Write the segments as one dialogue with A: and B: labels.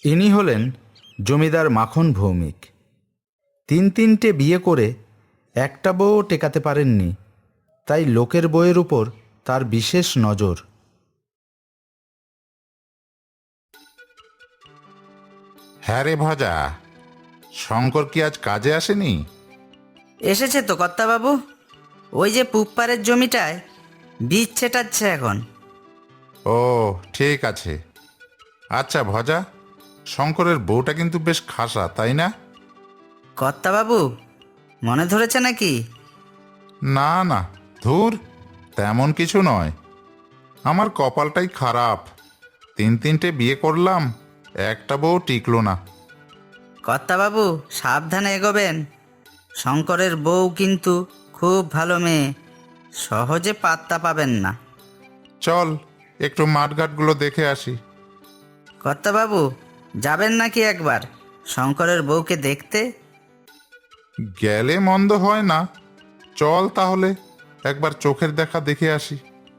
A: ইনি হলেন জমিদার মাখন ভৌমিক। তিনটে বিয়ে করে একটা বউও টেকাতে পারেননি, তাই লোকের বউয়ের উপর তার বিশেষ নজর।
B: হ্যাঁ রে ভজা, শঙ্কর কি আজ কাজে আসেনি?
C: এসেছে তো কর্তাবাবু, ওই যে পুপ্পারের জমিটায় বীজ ছেটাচ্ছে এখন।
B: ও ঠিক আছে। আচ্ছা ভজা, শঙ্করের বউটা কিন্তু বেশ খাসা, তাই না?
C: কর্তাবাবু, মনে ধরেছে নাকি?
B: না না, ধুর, তেমন কিছু নয়। আমার কপালটাই খারাপ, তিনটে বিয়ে করলাম, একটা বউ টিকলো না।
C: কর্তাবাবু সাবধানে এগোবেন, শঙ্করের বউ কিন্তু খুব ভালো মেয়ে, সহজে পাত্তা পাবেন না।
B: চল একটু মাঠঘাটগুলো দেখে আসি।
C: কর্তাবাবু, যাবেন নাকি একবার শঙ্করের বউকে দেখতে?
B: গেলে মন্দ হয় না, চল তাহলে একবার চোখের দেখা দেখে আসি।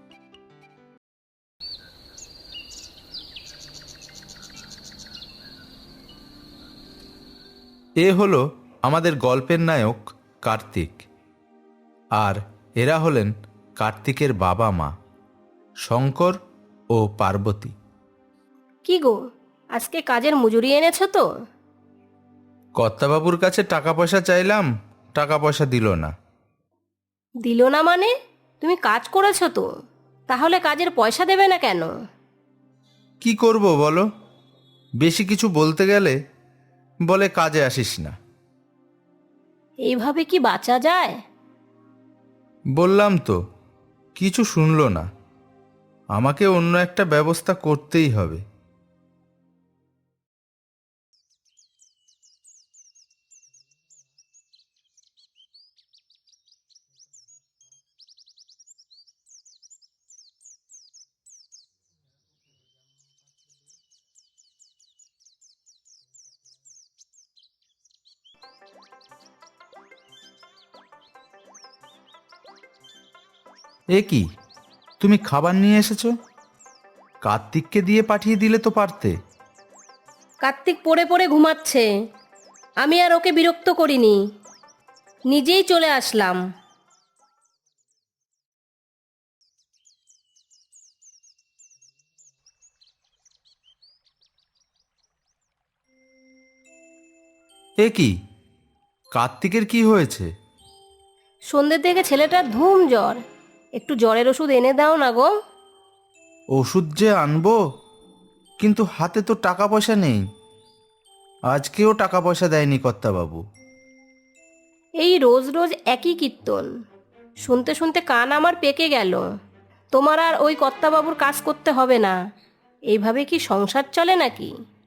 A: এ হলো আমাদের গল্পের নায়ক কার্তিক, আর এরা হলেন কার্তিকের বাবা মা শঙ্কর ও পার্বতী।
D: কি গো, আজকে কাজের মজুরি এনেছো তো?
A: কর্তাবাবুর কাছে টাকা পয়সা চাইলাম, টাকা পয়সা দিল না।
D: দিল না মানে? তুমি কাজ করেছো তো, তাহলে কাজের পয়সা দেবে না কেন?
A: কি করব বলো, বেশি কিছু বলতে গেলে বলে কাজে আসিস না।
D: এইভাবে কি বাঁচা যায়?
A: বললাম তো, কিছু শুনলো না। আমাকে অন্য একটা ব্যবস্থা করতেই হবে। এ কি, তুমি খাবার নিয়ে এসেছো? কার্তিককে দিয়ে পাঠিয়ে দিলে তো পারতে।
D: কার্তিক পড়ে পড়ে ঘুমাচ্ছে, আমি আর ওকে বিরক্ত করিনি, নিজেই চলে আসলাম।
A: এ কি, কার্তিকের কি হয়েছে?
D: সন্ধ্যের থেকে ছেলেটার ধুম জ্বর, একটু জ্বরের ওষুধ এনে দাও না গো।
A: ওষুধ যে আনবো, কিন্তু হাতে তো টাকা পয়সা নেই। আজকেও টাকা পয়সা দেয়নি কর্তাবাবু।
D: এই রোজ রোজ একই কীর্তন শুনতে শুনতে কান আমার পেকে গেল। তোমার আর ওই কর্তাবাবুর কাজ করতে হবে না, এইভাবে কি সংসার চলে নাকি?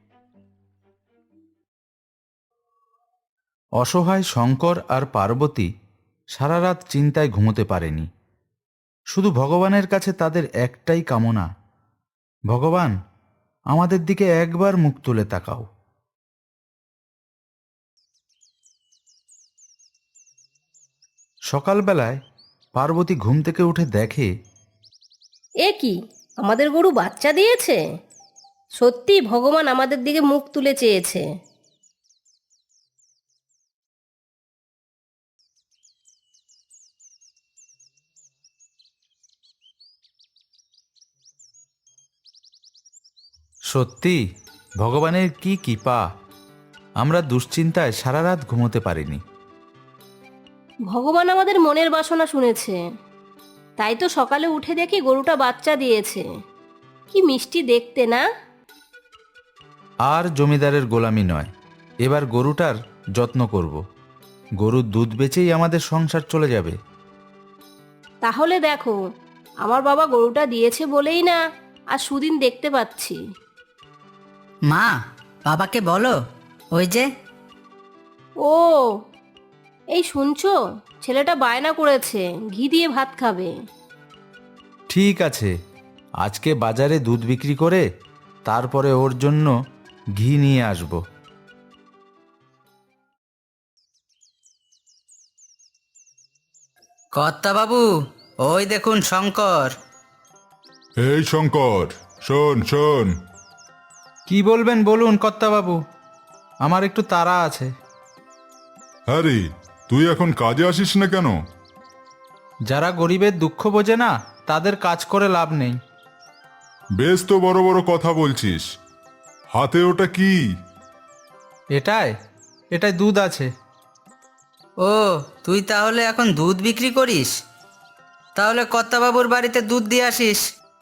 A: অসহায় শঙ্কর আর পার্বতী সারা রাত চিন্তায় ঘুমোতে পারেনি। শুধু ভগবানের কাছে তাদের একটাই কামনা, ভগবান আমাদের দিকে একবার মুখ তুলে তাকাও। সকালবেলায় পার্বতী ঘুম থেকে উঠে দেখে,
D: এ কি, আমাদের গরু বাচ্চা দিয়েছে! সত্যি ভগবান আমাদের দিকে মুখ তুলে চেয়েছে।
A: সত্যি ভগবানের কি কৃপা, আমরা দুশ্চিন্তায় সারা রাত ঘুমোতে পারিনি।
D: ভগবান আমাদের মনের বাসনা শুনেছে, তাই তো সকালে উঠে দেখি গরুটা বাচ্চা দিয়েছে। কি মিষ্টি দেখতে না?
A: আর জমিদারের গোলামি নয়, এবার গরুটার যত্ন করব। গরুর দুধ বেচেই আমাদের সংসার চলে যাবে।
D: তাহলে দেখো, আমার বাবা গরুটা দিয়েছে বলেই না আর সুদিন দেখতে পাচ্ছি।
C: মা, বাবাকে বলো, ওই যে।
D: ও, এই শুনছো, ছেলেটা বায়না করেছে ঘি দিয়ে ভাত খাবে।
A: ঠিক আছে, আজকে বাজারে দুধ বিক্রি করে তারপরে ওর জন্য ঘি নিয়ে আসব।
C: কর্তাবাবু, ওই দেখুন শঙ্কর।
B: এই শঙ্কর, শোন শোন,
A: কি বলবেন বলুন কর্তাবাবু, আমার একটু তাড়া আছে।
E: হ্যাঁ রে, তুই এখন কাজে আসিস না কেন?
A: যারা গরিবের দুঃখ বোঝে না তাদের কাজ করে লাভ নেই।
E: বেশ তো বড় বড় কথা বলছিস, হাতে ওটা কি?
A: এটাই দুধ আছে।
C: ও, তুই তাহলে এখন দুধ বিক্রি করিস? তাহলে কর্তাবাবুর বাড়িতে দুধ দিয়ে আসিস।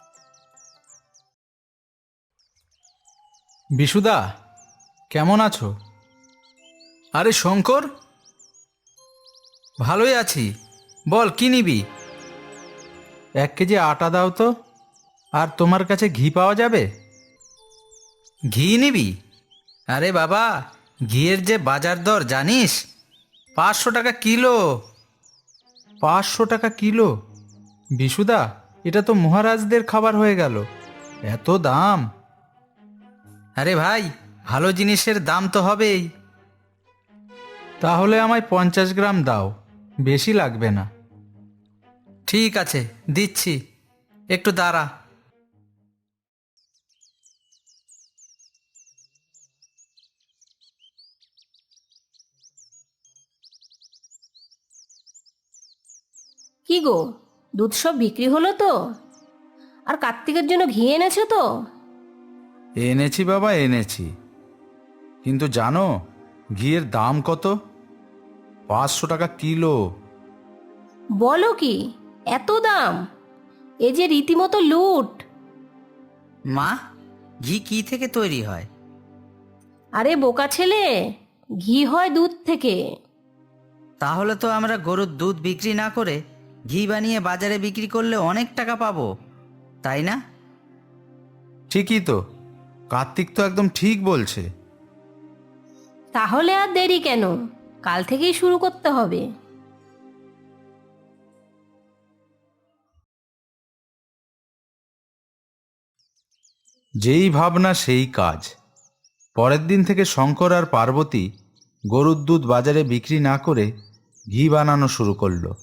A: বিশুদা, কেমন আছো? আরে শঙ্কর, ভালোই আছি। বল কি নিবি? 1 কেজি আটা দাও তো। আর তোমার কাছে ঘি পাওয়া যাবে?
C: ঘি নিবি? আরে বাবা, ঘিয়ের যে বাজার দর জানিস? 500 টাকা কিলো।
A: 500 টাকা কিলো? বিশুদা, এটা তো মহারাজদের খাবার হয়ে গেল, এত দাম!
C: আরে ভাই, ভালো জিনিসের দাম তো হবেই।
A: তাহলে আমায় 50 গ্রাম দাও, বেশি লাগবে না।
C: ঠিক আছে, দিচ্ছি, একটু দাঁড়া।
D: কি গো, দুধ সব বিক্রি হলো তো? আর কার্তিকের জন্য ঘি এনেছো তো?
A: এনেছি বাবা, এনেছি। কিন্তু জানো ঘিয়ের দাম কত? 500 টাকা কিলো।
D: বলো কি, এত দাম? এ যে রীতিমতো লুট।
C: মা, ঘি কি থেকে তৈরি হয়?
D: আরে বোকা ছেলে, ঘি হয় দুধ থেকে।
C: তাহলে তো আমরা গরুর দুধ বিক্রি না করে ঘি বানিয়ে বাজারে বিক্রি করলে অনেক টাকা পাবো, তাই না?
A: ঠিকই তো, কার্তিক তো একদম ঠিক বলছে।
D: তাহলে আর দেরি কেন, কাল থেকেই শুরু করতে হবে।
A: যেই ভাবনা সেই কাজ। পরের দিন থেকে শঙ্কর আর পার্বতী গরুর দুধ বাজারে বিক্রি না করে ঘি বানানো শুরু করলো।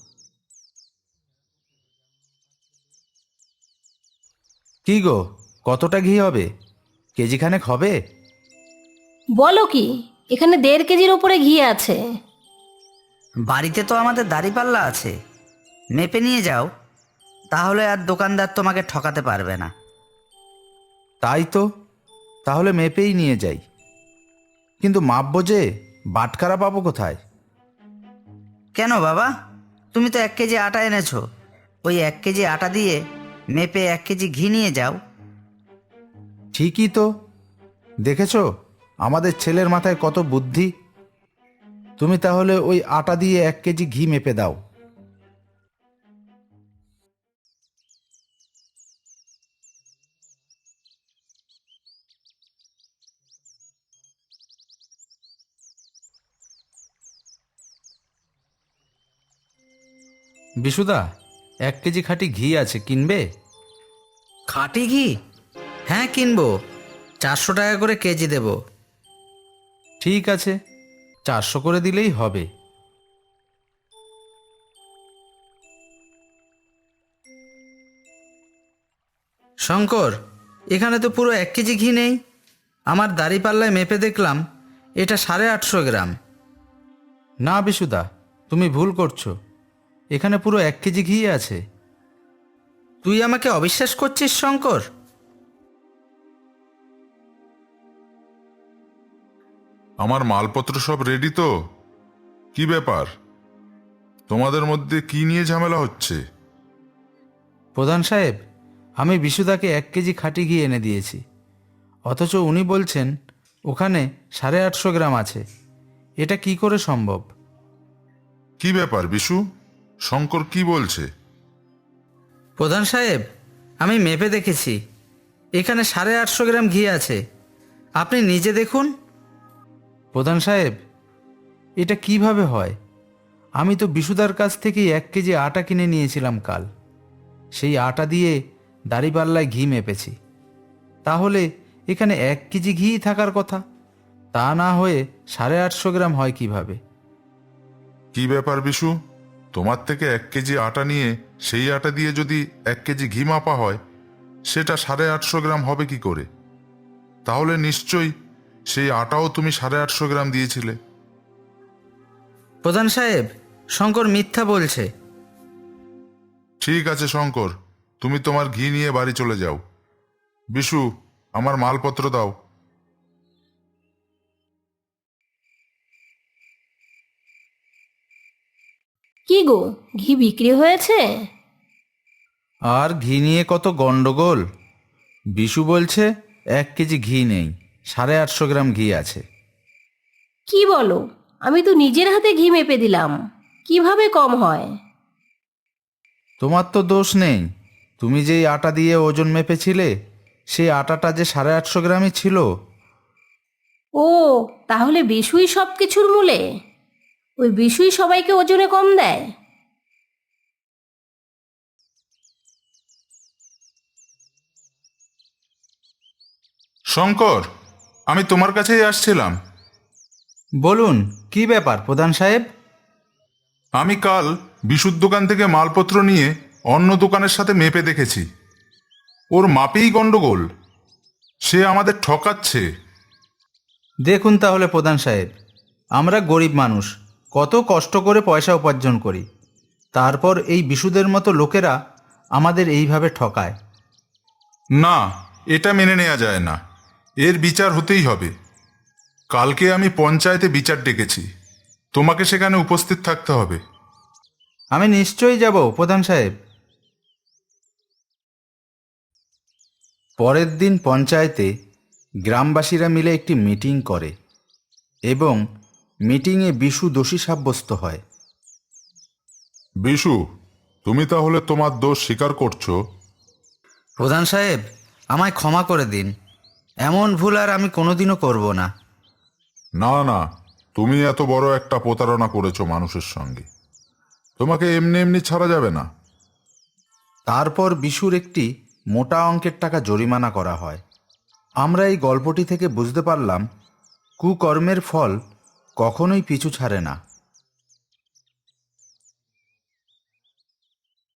A: কি গো, কতটা ঘি হবে? কেজিখানেক হবে?
D: বলো কি, এখানে 1.5 কেজির ওপরে ঘি আছে।
C: বাড়িতে তো আমাদের দাঁড়িপাল্লা আছে, মেপে নিয়ে যাও, তাহলে আর দোকানদার তোমাকে ঠকাতে পারবে না।
A: তাই তো, তাহলে মেপেই নিয়ে যাই। কিন্তু মাপবো যে, বাটখারা পাবো কোথায়?
C: কেন বাবা, তুমি তো 1 কেজি আটা এনেছো, ওই 1 কেজি আটা দিয়ে মেপে 1 কেজি ঘি নিয়ে যাও।
A: ঠিকই তো, দেখেছো আমাদের ছেলের মাথায় কত বুদ্ধি। তুমি তাহলে ওই আটা দিয়ে 1 কেজি ঘি মেপে দাও। বিশুদা, 1 কেজি খাঁটি ঘি আছে, কিনবে?
C: খাঁটি ঘি? হ্যাঁ কিনবো, 400 টাকা করে কেজি দেব।
A: ঠিক আছে, 400 করে দিলেই হবে।
C: শঙ্কর, এখানে তো পুরো 1 কেজি ঘি নেই। আমার দাঁড়িপাল্লায় মেপে দেখলাম এটা 850 গ্রাম।
A: না বিশুদা, তুমি ভুল করছো, এখানে পুরো 1 কেজি ঘি আছে।
C: তুই আমাকে অবিশ্বাস করছিস শঙ্কর?
E: আমার মালপত্র সব রেডি তো? কি ব্যাপার, তোমাদের মধ্যে কি নিয়ে ঝামেলা হচ্ছে?
A: প্রধান সাহেব, আমি বিশুদাকে 1 কেজি খাঁটি ঘি এনে দিয়েছি, অথচ উনি বলছেন ওখানে 850 গ্রাম আছে। এটা কি করে সম্ভব?
E: কি ব্যাপার বিশু, শঙ্কর কি বলছে?
C: প্রধান সাহেব, আমি মেপে দেখেছি, এখানে 850 গ্রাম ঘি আছে, আপনি নিজে দেখুন।
A: প্রধান সাহেব, এটা কিভাবে হয়? আমি তো বিশুদার কাছ থেকে 1 কেজি আটা কিনে নিয়েছিলাম কাল, সেই আটা দিয়ে দাঁড়িপাল্লায় ঘি মেপেছি। তাহলে এখানে 1 কেজি ঘি থাকার কথা, তা না হয়ে 850 গ্রাম হয় কিভাবে?
E: কি ব্যাপার বিশু, তোমার থেকে 1 কেজি আটা নিয়ে সেই আটা দিয়ে যদি 1 কেজি ঘি মাপা হয়, সেটা 850 গ্রাম হবে কি করে? তাহলে নিশ্চয়ই সেই আটাও তুমি 850 গ্রাম দিয়েছিলে।
C: প্রধান সাহেব, শঙ্কর মিথ্যা বলছে।
E: ঠিক আছে শঙ্কর, তুমি তোমার ঘি নিয়ে বাড়ি চলে যাও। বিশু, আমার মালপত্র দাও।
D: কি গো, ঘি বিক্রি হয়েছে?
A: আর ঘি নিয়ে কত গন্ডগোল। বিশু বলছে 1 কেজি ঘি নেই, 850 গ্রাম ঘি আছে।
D: কি বলো? আমি তো নিজের হাতে ঘি মেপে দিলাম, কিভাবে কম হয়?
A: তোমার তো দোষ নেই, তুমি যেই আটা দিয়ে ওজন মেপেছিলে সেই আটাটা যে 850 গ্রামই ছিল।
D: ও, তাহলে বিশুই সব কিছুর মূলে? ওই বিশুই সবাইকে ওজনে কম দেয়?
E: শঙ্কর, আমি তোমার কাছেই আসছিলাম।
A: বলুন, কি ব্যাপার প্রধান সাহেব?
E: আমি কাল বিশুর দোকান থেকে মালপত্র নিয়ে অন্য দোকানের সাথে মেপে দেখেছি, ওর মাপেই গন্ডগোল। সে আমাদের ঠকাচ্ছে।
A: দেখুন তাহলে প্রধান সাহেব, আমরা গরিব মানুষ, কত কষ্ট করে পয়সা উপার্জন করি, তারপর এই বিশুদের মতো লোকেরা আমাদের এইভাবে ঠকায়।
E: না, এটা মেনে নেওয়া যায় না। এর বিচার হতেই হবে। কালকে আমি পঞ্চায়েতে বিচার ডেকেছি, তোমাকে সেখানে উপস্থিত থাকতে হবে।
A: আমি নিশ্চয়ই যাব প্রধান সাহেব। পরের দিন পঞ্চায়েতে গ্রামবাসীরা মিলে একটি মিটিং করে এবং মিটিংয়ে বিশু দোষী সাব্যস্ত হয়।
E: বিশু, তুমি তাহলে তোমার দোষ স্বীকার করছো?
C: প্রধান সাহেব, আমায় ক্ষমা করে দিন। এমন ভুল আর আমি কোনোদিনও করব না।
E: না না, তুমি এত বড় একটা প্রতারণা করেছো মানুষের সঙ্গে, তোমাকে এমনি এমনি ছাড়া যাবে না।
A: তারপর বিশুর একটি মোটা অঙ্কের টাকা জরিমানা করা হয়। আমরা এই গল্পটি থেকে বুঝতে পারলাম, কুকর্মের ফল কখনোই পিছু ছাড়ে না।